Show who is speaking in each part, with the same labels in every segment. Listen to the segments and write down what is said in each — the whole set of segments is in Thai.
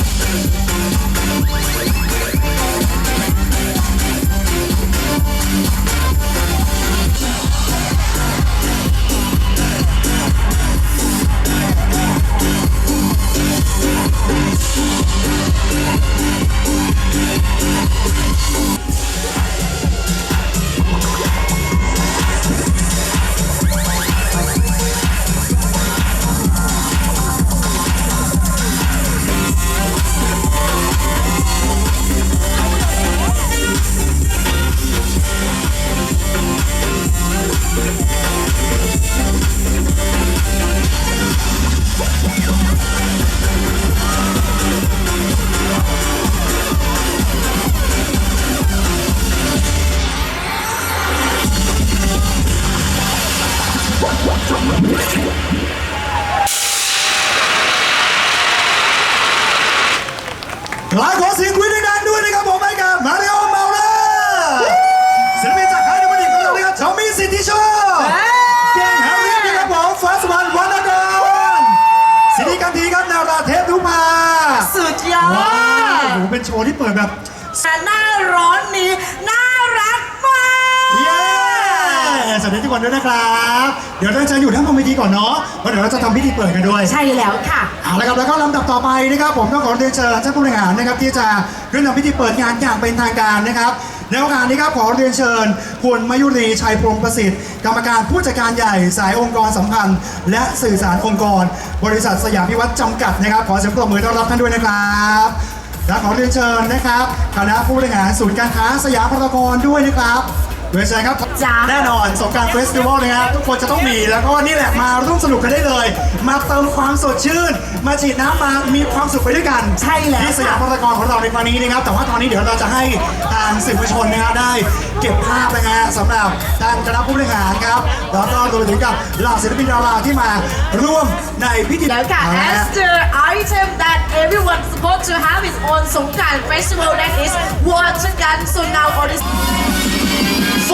Speaker 1: หลายขอเสียงคุยดังๆด้วยนะครับผมให้กับมาริโอเมาเลอร์ศิลปินจากค่ายน้ำมันดิบของเรานะครับทอมมี่สิทธิโชคเก่งแฮร์รี่นะครับผมฟัสมันวันดอนสิริกันทีครับนาราเทพทุพา
Speaker 2: สุดยอด
Speaker 1: ว้าวโอ้โหเป็นโชว์ที่เปิดแบบ
Speaker 2: หน้าร้อนนี้น่ารักมาก
Speaker 1: เย้สวัสดีทุกคนด้วยนะครับเดี๋ยวเราจะอยู่ทั้งบนเวทีก่อนเนาะเพราะเดี๋ยวเราจะทำพิธีเปิดกันด้วย
Speaker 2: ใช่แล้วค่ะ
Speaker 1: เอาละครับแล้วก็ลำดับต่อไปนะครับผมต้องขอเรียนเชิญท่านผู้บริหารนะครับที่จะขึ้นทำพิธีเปิดงานอย่างเป็นทางการนะครับในโอกาสนี้ครับขอเรียนเชิญคุณมายุรีชัยพรหมประสิทธิ์กรรมการผู้จัดการใหญ่สายองค์กรสัมพันธ์และสื่อสารองค์กรบริษัทสยามพิวัฒน์จำกัดนะครับขอเสียงปรบมือต้อนรับท่านด้วยนะครับและขอเรียนเชิญนะครับคณะผู้บริหารศูนย์การค้าสยามพารากอนด้วยนะครับเรียนเชิญครับแน่นอนสงกรานต์เฟสติวัลนะครับทุกคนจะต้องมีแล้วก็นี่แหละมาร่วมสนุกกันได้เลยมาเติมความสดชื่นมาฉีดน้ำมามีความสุขไปด้วยกัน
Speaker 2: ใช่แล้ว
Speaker 1: ที่สยามพารากอนของเราในครั้งนี้นะครับแต่ว่าตอนนี้เดี๋ยวเราจะให้ทางสื่อมวลชนนะครับได้เก็บภาพนะฮะสำหรับทางคณะผู้บริหารครับแล้วก็รวมถึงกับเหล่าศิลปินดาราที่มาร่วมในพิธี
Speaker 2: แล้วค่ะ as the item that everyone supposed to have is on Songkran Festival that is water gun so now on this
Speaker 1: 4, 3, 2,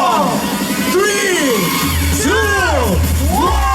Speaker 1: 1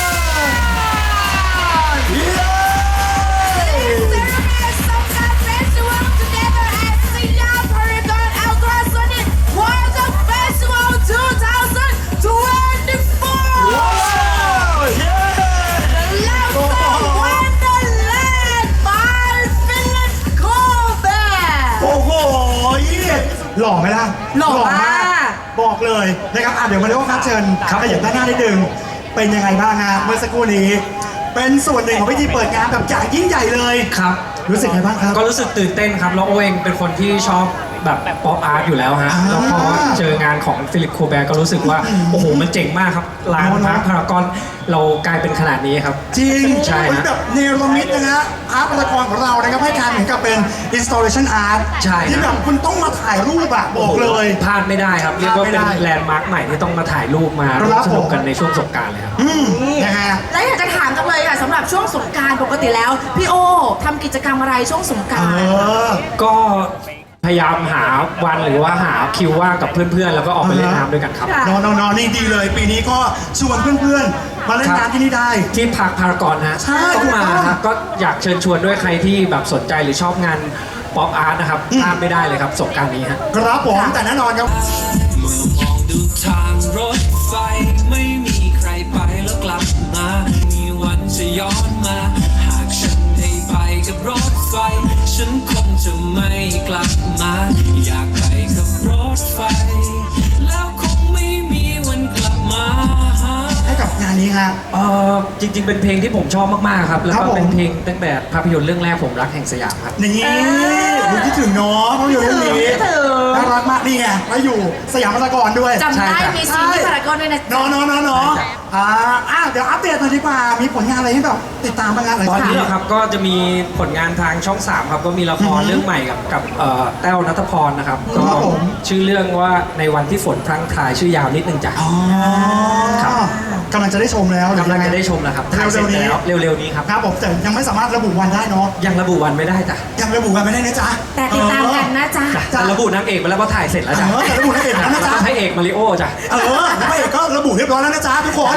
Speaker 1: หล่อไหมล่ะ
Speaker 2: หล่อมาก
Speaker 1: บอกเลยนะครับเดี๋ยวมาเรียกว่าครับเชิญครับขยับด้านหน้านิดนึงเป็นยังไงบ้างฮะเมื่อสักครู่นี้เป็นส่วนหนึ่งของพิธีเปิดงานแบบใหญ่ยิ่งใหญ่เลย
Speaker 3: ครับ
Speaker 1: รู้สึกไงบ้างครับ
Speaker 3: ก็รู้สึกตื่นเต้นครับแล้วโอเองเป็นคนที่ชอบแบบป๊อปอาร์ตอยู่แล้วฮะแล้วพอเจองานของฟิลิปโคแบร์ก็รู้สึกว่าโอ้โหมันเจ๋งมากครับร้านพาร์คพารากอนเรากลายเป็นขนาดนี้ครับ
Speaker 1: จริง
Speaker 3: ใช่
Speaker 1: ฮะแบบเนรมิตนะฮะพาร์คพารากอนของเรานะครับให้การเหมือนกับเป็น installation art
Speaker 3: ใช่
Speaker 1: ที่แบบคุณต้องมาถ่ายรูปอะบอกเลย
Speaker 3: พลาดไม่ได้ครับเรียกว่าเป็นแลนด์มาร์คใหม่ที่ต้องมาถ่ายรูปมาสนุกกันในช่วงสงกรานต์เลยครับ
Speaker 1: นะฮะ
Speaker 2: แล้วอยากจะถามกันเลยค่ะสำหรับช่วงสงกรานต์ปกติแล้วพี่โอทำกิจกรรมอะไรช่วงสงกรานต์
Speaker 3: ก็พยายามหาวันหรือว่าหาคิวว่างกับเพื่อนๆแล้วก็ออกไปเล่นน้ำด้วยกันครับ
Speaker 1: นอนนี่ดีเลยปีนี้ก็ชวนเพื่อนๆมาเล่นน้ำที่นี่ได้
Speaker 3: ที่พาร์คพารากอนนะต้องมาครับก็อยากเชิญชวนด้วยใครที่แบบสนใจหรือชอบงานป๊อปอาร์ตนะครับพลาดไม่ได้เลยครับสงกรานต์นี้ฮะ
Speaker 1: ครับผมแต่แน่นอนครับ
Speaker 4: เมื่อมองดูทางรถไฟไม่มีใครไปแล้วกลับมามีวันจะย้อนมาหากฉันได้ไปกับรถไฟฉันคงจะไม่กลับมาอยากไปกับรถไฟแล้วคงไม่มีวันกลับมา
Speaker 1: ให้กับงานนี้ฮะ
Speaker 3: จริงๆเป็นเพลงที่ผมชอบมากๆครับแล้วก็เป็นเพลงตั้งแต่ภาพยนตร์เรื่องแรกผมรักแห่งสยามครับ
Speaker 1: นี่คุณคิดถึงเนาะภาพยนตร์เรื่องนี้น่ารักมากนี่ไงแล้วอยู่สยามพารากอนด้วย
Speaker 2: จำได้มีซีนที่พารากอนด้วยนะ
Speaker 1: เนาะเดี๋ยวอัปเดตหน่อยดีกว่ามีผลงานอะไรให้แบบติดตามบ้าง
Speaker 3: ตอนนี้ครับก็จะมีผลงานทางช่อง3ครับก็มีละครเรื่องใหม่กับแต้วณัฐพรนะครับก็ชื่อเรื่องว่าในวันที่ฝนพรั่งพรายชื่อยาวนิดนึงจ้ะ
Speaker 1: ครับกำลังจะได้ชมแล้ว
Speaker 3: กำลังจะได้ชมแล้วครับเร็วๆนี้ครับ
Speaker 1: ครับผมแต่ยังไม่สามารถระบุวันได้เนาะ
Speaker 3: ยังระบุวันไม่ได้จ้ะ
Speaker 1: ยังระบุวันไม่ได้นะจ๊ะ
Speaker 2: แต่ติดตามกันนะจ๊ะ
Speaker 3: จะระบุนางเอกไปแล้วว่าถ่ายเสร็จแล้วจ้ะ
Speaker 1: ระบุนางเอกแล้วนะจ๊ะ
Speaker 3: ให้เอกมาริโอจ้ะ
Speaker 1: แล้วพระเอกก็ระบุเรียบร้อยแล้วนะจ๊ะทุกคน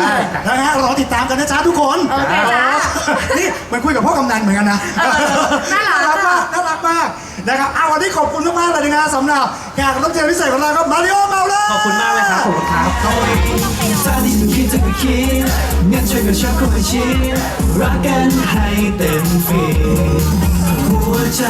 Speaker 1: นะฮะรอติดตามกันนะจ๊ะทุกคน
Speaker 2: โอเคจ้ะ
Speaker 1: นี่เหมันคุยกับพ่อกำนันเหมือนกันนะ
Speaker 2: น่ารัก
Speaker 1: มากน่ารักมากนะครับวันนี้ขอบคุณมากๆเลยนะสำหรับแขกรับเชิญพิเศษของเราครับมาริโอเมาเลอร์
Speaker 3: ขอบคุณมากเลยครับขอบคุณครับ
Speaker 5: ถ้าที่เธอคิดเธอก็คิดงั้นช่วยกันชักเข้าไปชิดรักกันให้เต็มฟีหัวใจ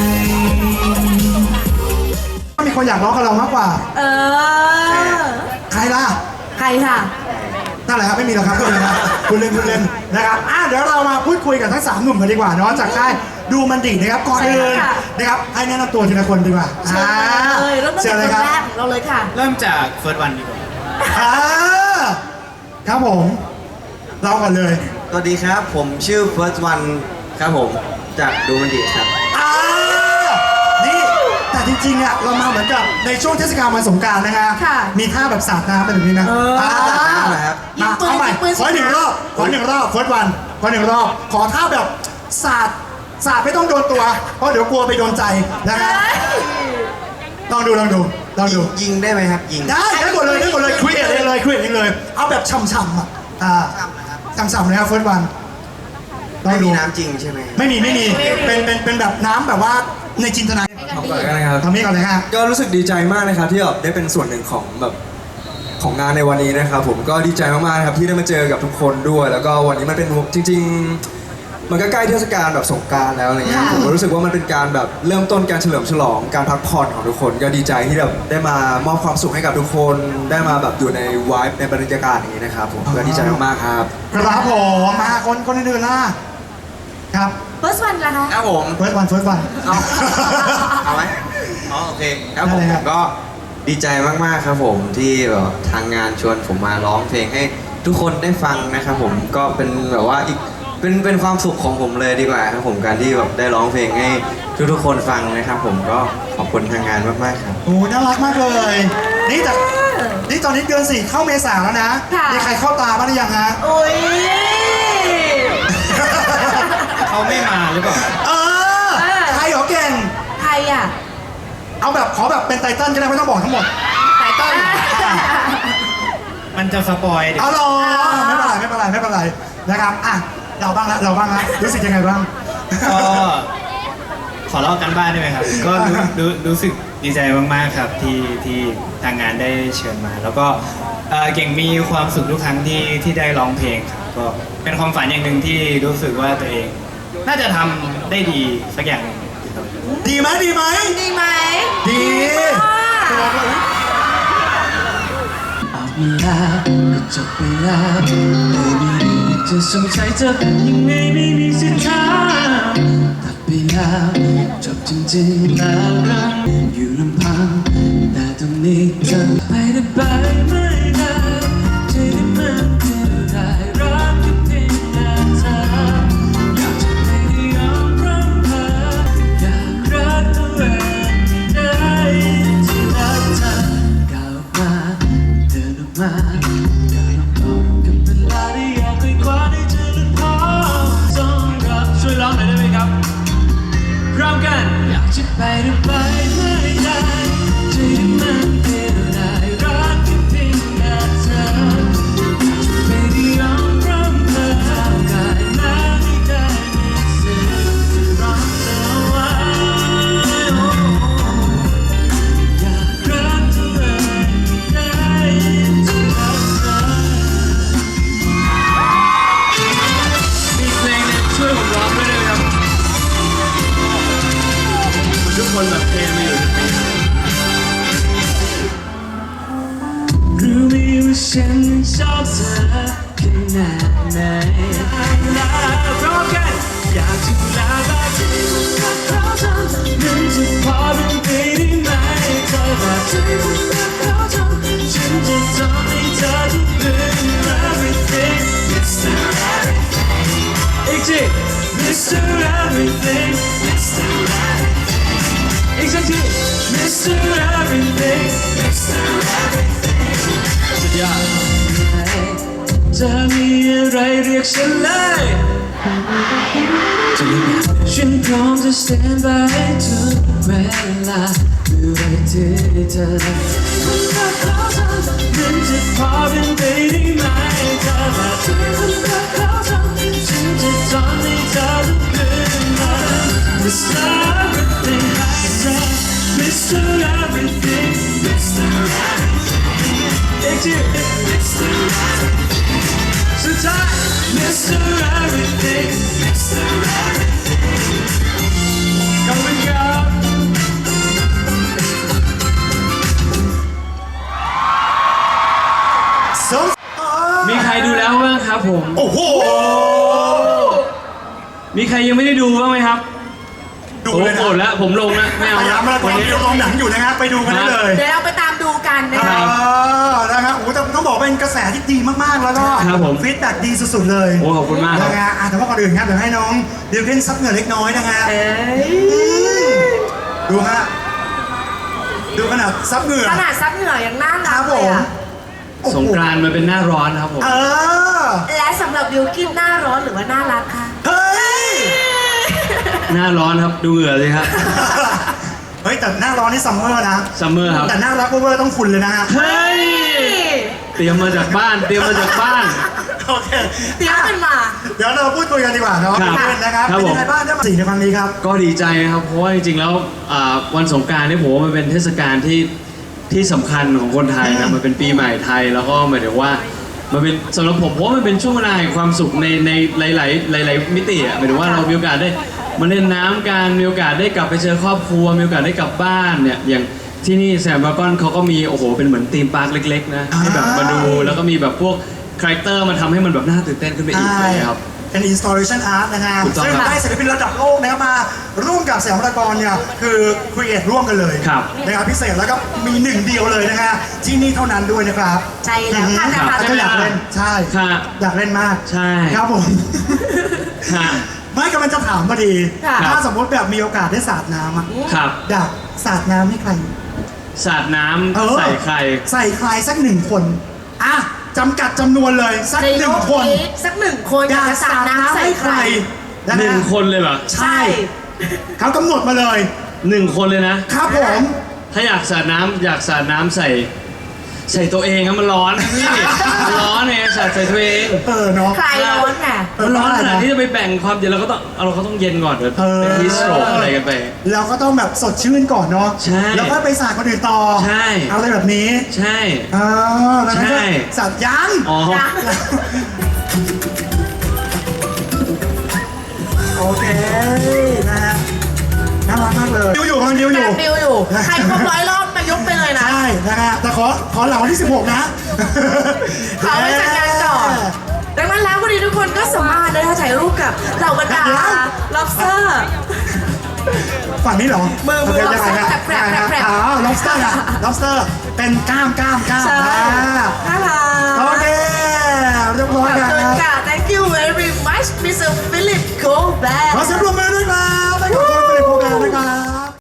Speaker 1: มีคนอยากร้องกับเรามากกว่า
Speaker 2: เออ
Speaker 1: ใครล่ะ
Speaker 2: ใครค่ะ
Speaker 1: นั่นแหละครับไม่มีหรอกครับคุณเล่นนะคุณเล่นนะครับเดี๋ยวเรามาพูดคุยกับทั้ง3หนุ่มกันดีกว่าเนาะจากค่ายดูมันดีนะครับก่อนอื่น
Speaker 2: ใช่ค่ะ
Speaker 1: นะครับให้แนะนำตัวทีละคนดีกว่า
Speaker 2: เชิญเลยเริ่มตั้ง
Speaker 1: เชิ
Speaker 2: แต่
Speaker 1: ญ
Speaker 2: ค
Speaker 1: เลย
Speaker 2: น
Speaker 1: ครับ
Speaker 2: แรกของเราเลยค่ะ
Speaker 6: เริ่มจากเฟิร์สวันดีกว่า
Speaker 1: อ่าครับผมเราก่อนเลย
Speaker 7: สวัสดีครับ ผมชื่อ First One ครับผมจากดูมันดีครับ
Speaker 1: อ่านี่แต่จริงๆอ่ะเรามาเหมือนกับในช่วงเทศกาลวันสงกรานต์นะฮะ
Speaker 2: ค่ะ
Speaker 1: มีท่าแบบสาดน้ำเป็นแบบนี้นะ
Speaker 7: สาดน้ำเหรอครับ
Speaker 1: มาเอาใหม่ขอหนึ่งรอบเฟิร์สวันขอหนึ่งรอบขอท่าแบบสาดไม่ต้องโดนตัว เพราะเดี๋ยวกลัวไปโดนใจนะครับลองดู
Speaker 7: ยิงได้ไหมครับ ยิง
Speaker 1: ได้หมดเลยครีเอทเลยเอาแบบช่ำๆอ่ะช่ำๆนะครับเฟิร์สวันลอ
Speaker 7: ไม่
Speaker 1: งดู
Speaker 7: มีน้ำจริงใช่ไหม
Speaker 1: ไม่มีเป็นแบบน้ำแบบว่าในจินตนาการ
Speaker 8: ทำก่อนกันนะครับ
Speaker 1: ทำนี้ก่อนเลยฮะ
Speaker 8: ก็รู้สึกดีใจมากนะครับที่แบบได้เป็นส่วนหนึ่งของแบบของงานในวันนี้นะครับผมก็ดีใจมากๆนะครับที่ได้มาเจอกับทุกคนด้วย แล้วก็วันนี้มันเป็นจริง ๆ มันก็ใกล้เทศกาลแบบสงกรานต์แล้วอะไรเงี้ย
Speaker 2: ค่ะ
Speaker 8: ผมก็รู้สึกว่ามันเป็นการแบบเริ่มต้นการเฉลิมฉลองการพักผ่อนของทุกคน ก็ดีใจที่แบบได้มามอบความสุขให้กับทุกคนได้มาแบบอยู่ในวายในบรรยากาศอย่างนี้นะครับผมก็ดีใจมากๆครับ
Speaker 1: ครับผมมาคนอื่นๆล่ะครับ
Speaker 2: First one ล่ะคะ
Speaker 7: ครับผม
Speaker 1: เฟิร์สวัน
Speaker 7: เอาไหมอ๋อโอเคครับผม
Speaker 1: ได้เลยครับ
Speaker 7: ก็ดีใจมากๆครับผมที่แบบทางงานชวนผมมาร้องเพลงให้ทุกคนได้ฟังนะครับผมก็เป็นแบบว่าอีกเป็นความสุขของผมเลยดีกว่าครับผมการที่แบบได้ร้องเพลงให้ทุกๆคนฟังนะครับผมก็ขอบคุณทางงานมากๆครับ
Speaker 1: โอ้น่ารักมากเลยนี่ตอนนี้เดือน4เข้าเมษาแล้วนะ
Speaker 2: ค่ะ
Speaker 1: มีใครเข้าตาบ้างหรือยังฮะ
Speaker 2: โอ้ย
Speaker 6: เขาไม่มาหรือเปล่า
Speaker 1: เออใครเหรอเก่ง
Speaker 2: ใครอ่ะ
Speaker 1: เอาแบบขอแบบเป็นไตเติ้ลก็ได้ไม่ต้องบอกทั้งหมด
Speaker 2: ไตเติ้ล
Speaker 6: มันจะสปอยเดี๋ยว
Speaker 1: เอาหรอไม่เป็นไรนะครับเราบ้างละรู้สึกยังไงบ้าง
Speaker 6: ก็ขอเล่ากันบ้านได้ไหมครับ ก็รู้สึกดีใจมากๆครับที่ทางงานได้เชิญมา แล้วก็เก่งมีความสุขทุกครั้งที่ได้ร้องเพลงครับก็เป็นความฝันอย่างหนึ่งที่รู้สึกว่าตัวเอง น่าจะทำได้ดีสักอย่างหนึ่งครับ
Speaker 1: ดีไหม
Speaker 2: ดีไหม
Speaker 1: ดี
Speaker 5: เอาไปแล้วก็จบไปแล้วไม่มีเรื่องจะสงสัยเธอเป็นยังไงไม่มีสิทธิ์ถามตัดไปแล้วจบจริงๆแล้วรักอยู่ลำพังแต่ตรงนี้เธอไปได้ไปไม่ได้ที่ได้มันเดียวได้รักแค่เพียงแค่เธออยากจะไม่ได้ยอมรับเธออยากรักตัวเองไม่ได้ที่รักเธอก้าวออกมาเดินออกมาอย่าลองต่อกับเวลาที่อยากไปกว่าได้เจอและพอต้องรับช่วยร้องหน่อยได้ไหมครับพร้อมกันอยากจะไปหรือไปไม่ได้ที่มันเดียวได้รักแค่เพียงแค่เธออยากจะไม่ได้ยอมรับเธอได้แม้ไม่ได้มีสิทธิ์จะรักเธอไว้อยากรักตัวเองไม่ได้ที่รักเธอมีเพลงเนี่ยช่วยผมร้องด้วยได้ไหมครับทุกคนแบบเพลงมาอยู่รู้ไหมว่าฉันชอบเธอขนาดไหนพร้อมกันอยากจะลาบาที่มันรักเราจังมันจะพอเป็นไปได้ไหมเธอแบบที่มันรักเราจังฉันจะทำให้เธอทุกเรื่อง everything Mr. Everything อีกที Mr. Everything Mr. Everything อีกสักที Mr. Everything Mr. Everything สุดยอดจะมีอะไรเรียกฉันเลยฉันพร้อมจะ stand by ทุกเวลาเมื่อไรที่เธอมันรักเราจังมันจะพอเป็นไปได้ไหมเธอแบบที่ฉันรักเขาทำฉันจะทำให้เธอลุกขึ้นมา Mr. Everything ให้เธอ Mr. Everything Mr. Everything อีกที Mr. Everything สุดท้าย Mr. Everything Mr. Everything ขอบคุณครับ มีใครดูแล้วบ้างครับผม
Speaker 1: โอ้โห
Speaker 5: มีใครยังไม่ได้ดูบ้างไหมครับ
Speaker 1: ดู
Speaker 5: ผม
Speaker 1: เลยนะ
Speaker 5: โกรธแล้วผมลงแล้วไม่เอา
Speaker 1: พยายามมาตอนนี้เราลองหนังอยู่นะครับ ไปดูกันได้เลย
Speaker 2: เดี๋ยวเราไปตามดูกันนะ
Speaker 5: ครั
Speaker 2: คะ
Speaker 5: บ
Speaker 1: นะครับโอ้แต่ต้องบอกเป็นกระแสที่ดีมากๆ แล้วก็
Speaker 5: ครับผม
Speaker 1: ฟีดแบ็กดีสุดๆเลย
Speaker 5: โอ้ขอบคุณมากครับ
Speaker 1: นะฮะแต่ว่าก่อนอื่นครับเดี๋ยวให้น้องดิวเคนซับเหงื่อเล็กน้อยนะฮะ
Speaker 2: เอ้ย
Speaker 1: ดูฮะ ดูขนาดซับเหงื่อ
Speaker 2: ขนาดซับเหงื่อยังน่า
Speaker 1: ค
Speaker 2: รั
Speaker 1: รั
Speaker 2: ก
Speaker 1: บ
Speaker 2: เล
Speaker 1: ผ
Speaker 2: ย
Speaker 1: ม
Speaker 2: อะ
Speaker 1: โอ้โห
Speaker 5: สงกรานต์มันเป็นหน้าร้อนครับผม
Speaker 1: เออ
Speaker 2: และสำหรับบิวกินหน้าร้อนหรือว่าน่ารักคะ
Speaker 1: เฮ้ย
Speaker 5: หน้าร้อนครับดูเหงื่อเลยครับ
Speaker 1: เฮ้ยแต่หน้าร้อนนี่ซัมเมอร์นะ
Speaker 5: ซัมเมอร์ครับ
Speaker 1: แต่หน้ารักเวอร์ต้องคุณเลยนะฮะ
Speaker 5: เฮ้ย เตรียมมาจากบ้าน เตรียมมาจากบ้าน
Speaker 1: โอเค
Speaker 2: เตรียมกันมา
Speaker 1: เดี๋ยวเราพูดคุยกันดีกว่าเนาะ
Speaker 5: ครับ
Speaker 1: พี่เคนนะครับ
Speaker 5: ครับ
Speaker 1: เป็นยังไง
Speaker 5: ผม
Speaker 1: บ้างได้มาสี่ในครั้งนี้ครับ
Speaker 5: ก็ดีใจนะครับ เพราะว่าจริงๆแล้ววันสงกรานต์เนี่ยผมว่ามันเป็นเทศกาลที่สำคัญของคนไทยนะมันเป็นปีใหม่ไทยแล้วก็หมายถึงว่ามันเป็นสำหรับผมเพราะว่ามันเป็นช่วงเวลาแห่งความสุขในหลายมิติอ่ะหมายถึงว่าเรามีโอกาสได้มาเล่นน้ำกันมีโอกาสได้กลับไปเจอครอบครัวมีโอกาสได้กลับบ้านเนี่ยอย่างที่นี่แซมบาร์กอนเขาก็มีโอ้โหเป็นเหมือนธีมพาร์คเล็กๆนะให้แบบมาดูแล้วก็มีแบบพวกคาแรคเตอร์มาทำให้มันแบบน่าตื่นเต้นขึ้นไปอีกเลยครับ
Speaker 1: เป็น installation art นะฮะ
Speaker 5: ถูกต้อง
Speaker 1: ซึ่ง
Speaker 5: ครับ
Speaker 1: ได้ศิลปินระดับโลกนะครับมาร่วมกับสยามพารากอนเนี่ยคือ create ร่วมกันเลย
Speaker 5: ครับ
Speaker 1: นะครับพิเศษแล้วก็มีหนึ่งเดียวเลยนะฮะที่นี่เท่านั้นด้วยนะครับ
Speaker 2: ใช่แล้วค่ะ
Speaker 1: ค
Speaker 2: นะ
Speaker 1: รับ
Speaker 2: คะ
Speaker 1: ก็อยากเล่นใช่
Speaker 5: ค่ะ
Speaker 1: อยากเล่นมาก
Speaker 5: ใช่
Speaker 1: ครับผม
Speaker 5: ฮะ
Speaker 1: ไม่กำลังจะถามพอดี
Speaker 2: ค่ะ
Speaker 1: ถ้าสมมติแบบมีโอกาสได้สาดน้ำอะ
Speaker 5: ครับ
Speaker 1: อยากสาดน้ำให้ใคร
Speaker 5: สาดน้
Speaker 1: เออ
Speaker 5: ำใส่ใคร
Speaker 1: ใส่ใครสักหนึ่งคนอ่ะจำกัดจำนวนเลยสัก
Speaker 2: ใน
Speaker 1: ห
Speaker 2: โล
Speaker 1: นึ่ง
Speaker 2: ก
Speaker 1: คน
Speaker 2: นี้สักหนึ่งคนอยากจะสาดน้ำใส่ใคร
Speaker 1: นะ
Speaker 5: หนึ่ง
Speaker 1: ฮะ
Speaker 5: คนเลยเหรอ
Speaker 1: ใช่เขากำหนดมาเลย
Speaker 5: หนึ่งคนเลยนะ
Speaker 1: ครับผม
Speaker 5: ถ้าอยากสาดน้ำใส่ตัวเองครับมันร้อนนะพี่มันร้อนไงสาดใส่ตัวเอง
Speaker 1: เออเนาะ
Speaker 2: ใครร้อนไง
Speaker 5: มันร้อนขนาดที่จะไปแบ่งความเย็นเราก็ต้องเย็นก่อนเดี๋ยวเป็นฮีสโตรกอะไรกันไป
Speaker 1: เราก็ต้องแบบสดชื่นก่อนเนาะ
Speaker 5: ใช่
Speaker 1: แล้วก็ไปสาดคนอื่นต่อ
Speaker 5: ใช่
Speaker 1: เอาอะไรแบบนี้
Speaker 5: ใช่
Speaker 1: อ่าแล้วก็
Speaker 5: ใช่
Speaker 1: สาดยัง
Speaker 5: อ๋อ
Speaker 1: โอเคนะฮะน่ารักมากเลยดิวอยู่กำลังดิวอยู่
Speaker 2: ดิวอยู่ ใครครบ100 รอบมายกไปเลยนะ
Speaker 1: ใช่นะฮะแต่ขอหลังวันที่ 16 นะ
Speaker 2: ขอไว้จัดงานก่อน ดังนั้นแล้ววันนี้ทุกคนก็สามารถได้ถ่ายรูปกับเหล่าบรรดา lobster
Speaker 1: ฝั่งนี้เหรอ
Speaker 2: มือ
Speaker 1: ยังไงฮะ
Speaker 2: lobster แปรบๆๆ
Speaker 1: อ๋อ lobster อะ lobster เป็นกล้าม
Speaker 2: ใช่
Speaker 1: อ่า
Speaker 2: น่ารัก
Speaker 1: โอเคเรียบร้อย
Speaker 2: ขอบ
Speaker 1: ค
Speaker 2: คุณ
Speaker 1: รับ
Speaker 2: ค่ะ thank you very much Mr. Philip Goldberg
Speaker 1: ขอเสียงปรบมือด้วยครับให้กับคุณผลิตโปรแกรมนะครับ